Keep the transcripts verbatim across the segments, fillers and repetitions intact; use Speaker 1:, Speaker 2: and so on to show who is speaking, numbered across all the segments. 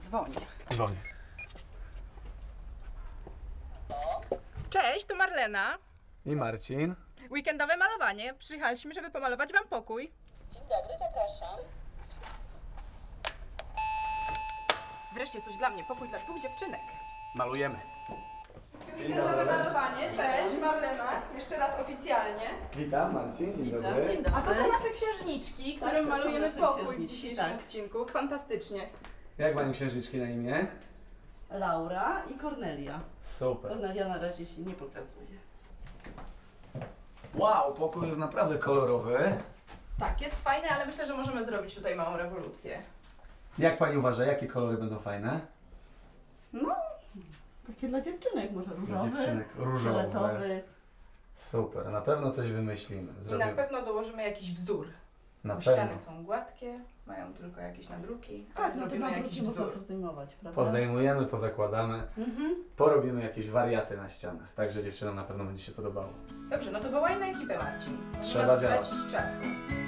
Speaker 1: Dzwoni.
Speaker 2: Dzwoni.
Speaker 1: Cześć, to Marlena.
Speaker 2: I Marcin.
Speaker 1: Weekendowe malowanie. Przyjechaliśmy, żeby pomalować wam pokój.
Speaker 3: Dzień dobry, zapraszam.
Speaker 1: Wreszcie coś dla mnie. Pokój dla dwóch dziewczynek.
Speaker 2: Malujemy.
Speaker 1: Weekendowe malowanie. Cześć, Marlena. Jeszcze raz oficjalnie.
Speaker 2: Witam, Marcin. Dzień
Speaker 3: Witam,
Speaker 2: dobry.
Speaker 3: dzień dobry.
Speaker 1: A to są nasze księżniczki, którym
Speaker 3: Tak, to są
Speaker 1: malujemy
Speaker 3: nasze
Speaker 1: pokój w
Speaker 3: księżniczki,
Speaker 1: dzisiejszym
Speaker 3: tak.
Speaker 1: odcinku. Fantastycznie.
Speaker 2: Jak mają księżniczki na imię?
Speaker 3: Laura i Kornelia.
Speaker 2: Super.
Speaker 3: Kornelia na razie się nie pokazuje.
Speaker 2: Wow, pokój jest naprawdę kolorowy.
Speaker 1: Tak, jest fajne, ale myślę, że możemy zrobić tutaj małą rewolucję.
Speaker 2: Jak pani uważa, jakie kolory będą fajne?
Speaker 3: No, takie dla dziewczynek, może różowy,
Speaker 2: dziewczynek różowe.
Speaker 3: fioletowy.
Speaker 2: Super, na pewno coś wymyślimy.
Speaker 1: I
Speaker 2: Zrobimy.
Speaker 1: na pewno dołożymy jakiś wzór.
Speaker 2: Na
Speaker 1: Bo
Speaker 2: pewno.
Speaker 1: ściany są gładkie, mają tylko jakieś nadruki, ale
Speaker 3: Tak, no to
Speaker 1: zrobimy
Speaker 3: na
Speaker 1: jakiś
Speaker 3: drugi można
Speaker 1: wzór.
Speaker 3: pozdejmować, prawda?
Speaker 2: Pozdejmujemy, pozakładamy,
Speaker 3: Mhm.
Speaker 2: porobimy jakieś wariaty na ścianach. Także dziewczynom na pewno będzie się podobało.
Speaker 1: Dobrze, no to wołajmy ekipę, Marcin. Nie
Speaker 2: Trzeba
Speaker 1: ma co
Speaker 2: działać.
Speaker 1: tracić czasu.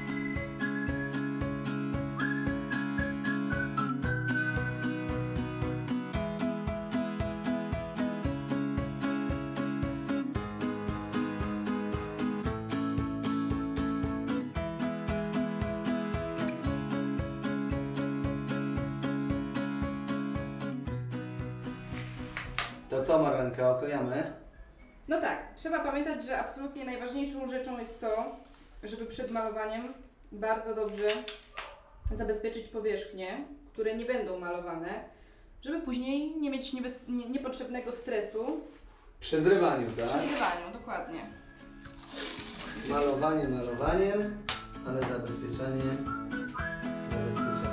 Speaker 2: To co, Marlenka, oklejamy?
Speaker 1: No tak, trzeba pamiętać, że absolutnie najważniejszą rzeczą jest to, żeby przed malowaniem bardzo dobrze zabezpieczyć powierzchnie, które nie będą malowane, żeby później nie mieć niebez... nie, niepotrzebnego stresu
Speaker 2: Przy zrywaniu,
Speaker 1: przy
Speaker 2: tak?
Speaker 1: zrywaniu, dokładnie.
Speaker 2: Malowanie malowaniem, ale zabezpieczenie, zabezpieczenie.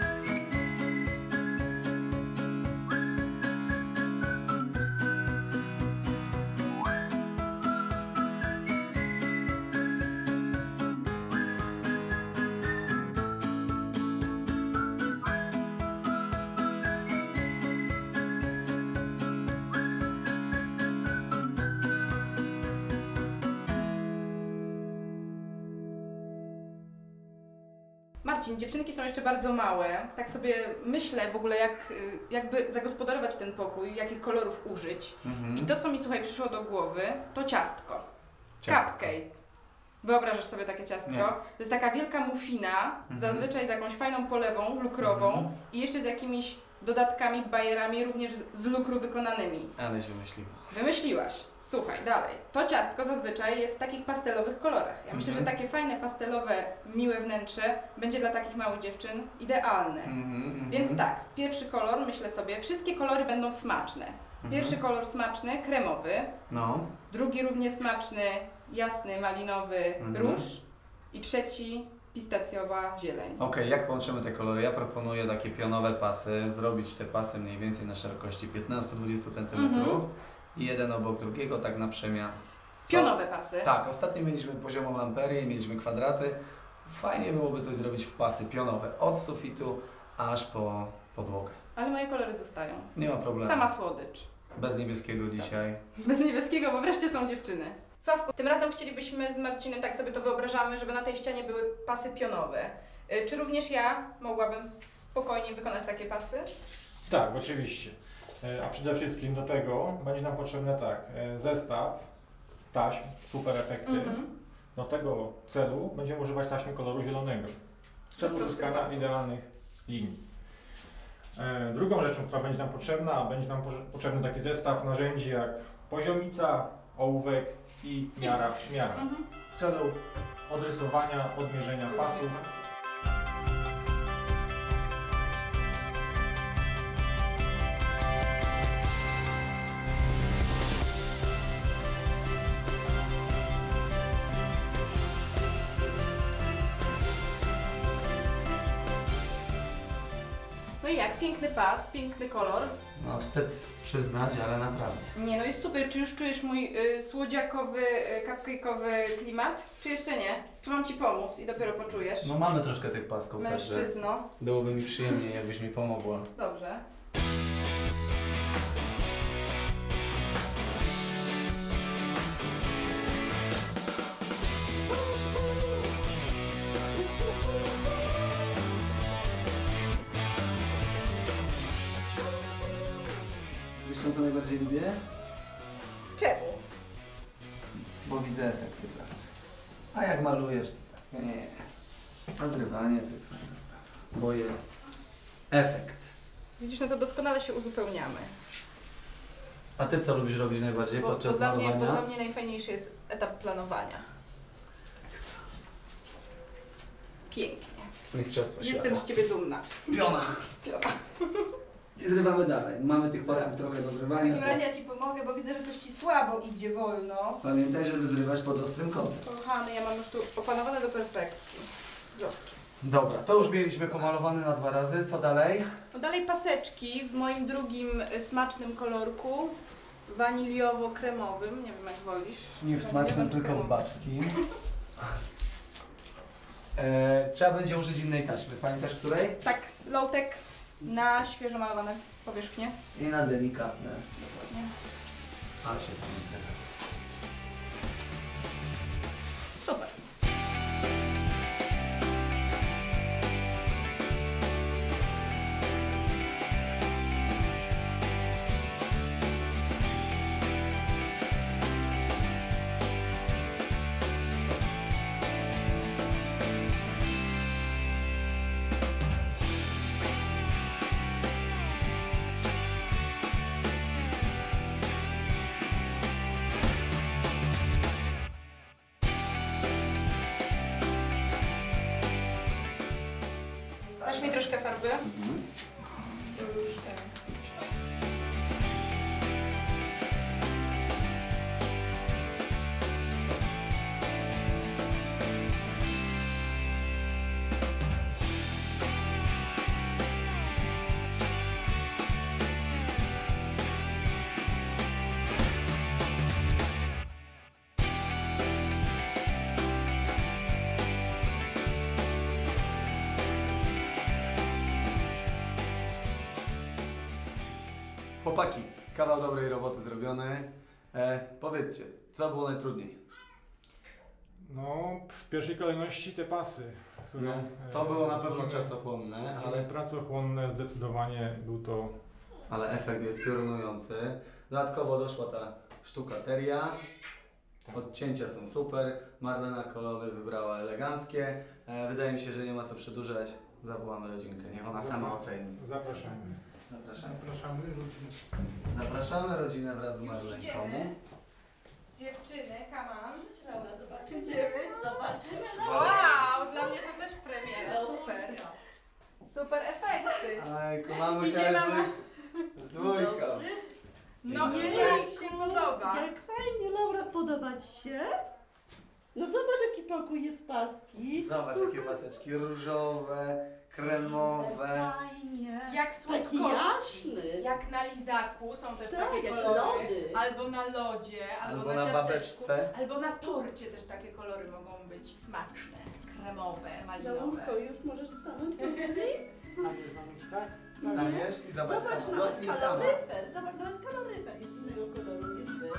Speaker 1: Marcin, dziewczynki są jeszcze bardzo małe. Tak sobie myślę w ogóle, jak, y, jakby zagospodarować ten pokój, jakich kolorów użyć.
Speaker 2: Mhm.
Speaker 1: I to, co mi słuchaj przyszło do głowy, to ciastko.
Speaker 2: Ciastko.
Speaker 1: Cupcake. Wyobrażasz sobie takie ciastko?
Speaker 2: Nie.
Speaker 1: To jest taka wielka mufina,
Speaker 2: Mhm.
Speaker 1: zazwyczaj z jakąś fajną polewą lukrową
Speaker 2: Mhm.
Speaker 1: i jeszcze z jakimiś dodatkami, bajerami, również z- z lukru wykonanymi.
Speaker 2: Aleś wymyśliła.
Speaker 1: Wymyśliłaś. Słuchaj, dalej. To ciastko zazwyczaj jest w takich pastelowych kolorach. Ja myślę,
Speaker 2: Mhm.
Speaker 1: że takie fajne, pastelowe, miłe wnętrze będzie dla takich małych dziewczyn idealne.
Speaker 2: Mhm, mhm.
Speaker 1: Więc tak, pierwszy kolor, myślę sobie, wszystkie kolory będą smaczne. Pierwszy kolor smaczny, kremowy.
Speaker 2: No.
Speaker 1: Drugi równie smaczny, jasny, malinowy,
Speaker 2: Mhm.
Speaker 1: róż. I trzeci, pistacjowa zieleń.
Speaker 2: Okej, jak połączymy te kolory? Ja proponuję takie pionowe pasy, zrobić te pasy mniej więcej na szerokości piętnaście do dwudziestu centymetrów
Speaker 1: Mhm.
Speaker 2: i jeden obok drugiego, tak na przemian. Co?
Speaker 1: Pionowe pasy.
Speaker 2: Tak, ostatnio mieliśmy poziomą lamperię, mieliśmy kwadraty. Fajnie byłoby coś zrobić w pasy pionowe, od sufitu aż po podłogę.
Speaker 1: Ale moje kolory zostają.
Speaker 2: Nie ma problemu.
Speaker 1: Sama słodycz.
Speaker 2: Bez niebieskiego dzisiaj.
Speaker 1: Bez niebieskiego, bo wreszcie są dziewczyny. Sławku, tym razem chcielibyśmy z Marcinem, tak sobie to wyobrażamy, żeby na tej ścianie były pasy pionowe. Y, Czy również ja mogłabym spokojnie wykonać takie pasy?
Speaker 4: Tak, oczywiście. E, A przede wszystkim do tego będzie nam potrzebne tak, e, zestaw taśm, super efekty.
Speaker 1: Mhm.
Speaker 4: Do tego celu będziemy używać taśmy koloru zielonego w celu
Speaker 1: Prosty
Speaker 4: uzyskania
Speaker 1: pas.
Speaker 4: idealnych linii. E, Drugą rzeczą, która będzie nam potrzebna, będzie nam poże- potrzebny taki zestaw narzędzi jak poziomica, ołówek i miara, miara
Speaker 1: Mhm.
Speaker 4: w celu odrysowania, odmierzenia pasów.
Speaker 1: No i jak? Piękny pas, piękny kolor.
Speaker 2: No wstyd przyznać, ale naprawdę.
Speaker 1: Nie, no jest super. Czy już czujesz mój y, słodziakowy, y, cupcake'owy klimat? Czy jeszcze nie? Czy mam Ci pomóc i dopiero poczujesz?
Speaker 2: No mamy troszkę tych pasków, także
Speaker 1: Mężczyzno.
Speaker 2: byłoby mi przyjemnie, jakbyś mi pomogła.
Speaker 1: Dobrze.
Speaker 2: to najbardziej lubię?
Speaker 1: Czemu?
Speaker 2: Bo widzę efekty pracy. A jak malujesz, to tak nie. A zrywanie to jest fajna sprawa. Bo jest efekt.
Speaker 1: Widzisz, no to doskonale się uzupełniamy.
Speaker 2: A ty co lubisz robić najbardziej
Speaker 1: Bo, bo,
Speaker 2: podczas
Speaker 1: dla mnie,
Speaker 2: malowania?
Speaker 1: bo dla mnie najfajniejszy jest etap planowania.
Speaker 2: Ekstra.
Speaker 1: Pięknie.
Speaker 2: Mistrzostwo
Speaker 1: Jestem
Speaker 2: świata.
Speaker 1: z ciebie dumna.
Speaker 2: Piona.
Speaker 1: Piona.
Speaker 2: I zrywamy dalej. Mamy tych pasów trochę do
Speaker 1: W
Speaker 2: zrywania.
Speaker 1: takim razie ja ci pomogę, bo widzę, że coś ci słabo idzie wolno.
Speaker 2: Pamiętaj, żeby zrywać pod ostrym kątem.
Speaker 1: Kochany, ja mam już tu opanowane do perfekcji. Zobacz.
Speaker 2: Dobra, to już mieliśmy pomalowane na dwa razy. Co dalej?
Speaker 1: No dalej paseczki w moim drugim y, smacznym kolorku. Waniliowo-kremowym. Nie wiem jak wolisz.
Speaker 2: Nie w
Speaker 1: Waniliowo
Speaker 2: smacznym,
Speaker 1: czy
Speaker 2: tylko w
Speaker 1: kremowy?
Speaker 2: babskim. E, trzeba będzie użyć innej taśmy. Pamiętasz której?
Speaker 1: Tak, low-tech na świeżo malowane powierzchnie.
Speaker 2: I na delikatne.
Speaker 1: Dokładnie.
Speaker 2: Ale się tam zrywa.
Speaker 1: Super. Dasz mi troszkę farby?
Speaker 2: Mhm.
Speaker 1: To już ten.
Speaker 2: Chłopaki, kawał dobrej roboty zrobiony. E, powiedzcie, co było najtrudniej?
Speaker 4: No, w pierwszej kolejności te pasy, które...
Speaker 2: No, to
Speaker 4: e,
Speaker 2: było na pewno
Speaker 4: musimy-
Speaker 2: czasochłonne,
Speaker 4: Ale
Speaker 2: ale,
Speaker 4: pracochłonne zdecydowanie był to...
Speaker 2: ale efekt jest piorunujący. Dodatkowo doszła ta sztukateria. Odcięcia są super. Marlena kolory wybrała eleganckie. E, wydaje mi się, że nie ma co przedłużać. Zawołamy rodzinkę, niech ona sama oceni.
Speaker 4: Zapraszamy.
Speaker 2: Zapraszamy.
Speaker 4: Zapraszamy ludzi.
Speaker 2: Zapraszamy rodzinę wraz z
Speaker 1: Już
Speaker 2: Marlenką.
Speaker 1: idziemy. Dziewczyny, come on.
Speaker 3: Laura, zobaczymy. Idziemy, zobaczymy.
Speaker 1: Wow, dla mnie to też premiera, super. Super efekty.
Speaker 2: Ajku, mamusia
Speaker 1: Idzie
Speaker 2: jest
Speaker 1: mama.
Speaker 2: z dwójką.
Speaker 1: No
Speaker 2: Dzień
Speaker 1: i
Speaker 2: dobry.
Speaker 1: jak się podoba?
Speaker 3: Jak fajnie, Laura, podoba Ci się? No zobacz, jaki pokój jest paski.
Speaker 2: Zobacz, jakie paseczki różowe, kremowe.
Speaker 3: Fajnie.
Speaker 1: Jak
Speaker 3: Taki
Speaker 1: słodkości.
Speaker 3: jasny.
Speaker 1: Jak na lizaku są też
Speaker 3: Tak,
Speaker 1: takie
Speaker 3: jak
Speaker 1: kolory.
Speaker 3: lody.
Speaker 1: Albo na lodzie, albo,
Speaker 2: Albo
Speaker 1: na,
Speaker 2: na
Speaker 1: ciasteczku,
Speaker 2: babeczce.
Speaker 1: albo na torcie też takie kolory mogą być smaczne, kremowe, malinowe.
Speaker 3: Laurko, już możesz stanąć na ziemi?
Speaker 4: Staniesz na nóż, tak?
Speaker 2: Staniesz i zobacz,
Speaker 3: Zobacz,
Speaker 2: sama,
Speaker 3: nawet
Speaker 2: dotknij sama.
Speaker 3: kaloryfer. Zobacz, nawet kaloryfer jest innego koloru niż ty.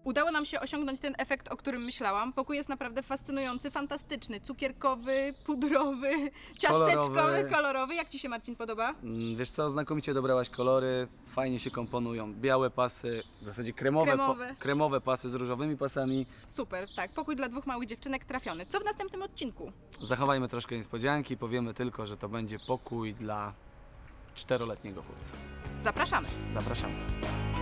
Speaker 1: Udało nam się osiągnąć ten efekt, o którym myślałam. Pokój jest naprawdę fascynujący, fantastyczny, cukierkowy, pudrowy, ciasteczkowy, kolorowy. kolorowy. Jak Ci się, Marcin, podoba?
Speaker 2: Mm, Wiesz co, znakomicie dobrałaś kolory, fajnie się komponują. Białe pasy, w zasadzie kremowe,
Speaker 1: Kremowe.
Speaker 2: Po, kremowe pasy z różowymi pasami.
Speaker 1: Super, tak. Pokój dla dwóch małych dziewczynek trafiony. Co w następnym odcinku?
Speaker 2: Zachowajmy troszkę niespodzianki, powiemy tylko, że to będzie pokój dla czteroletniego chłopca.
Speaker 1: Zapraszamy.
Speaker 2: Zapraszamy.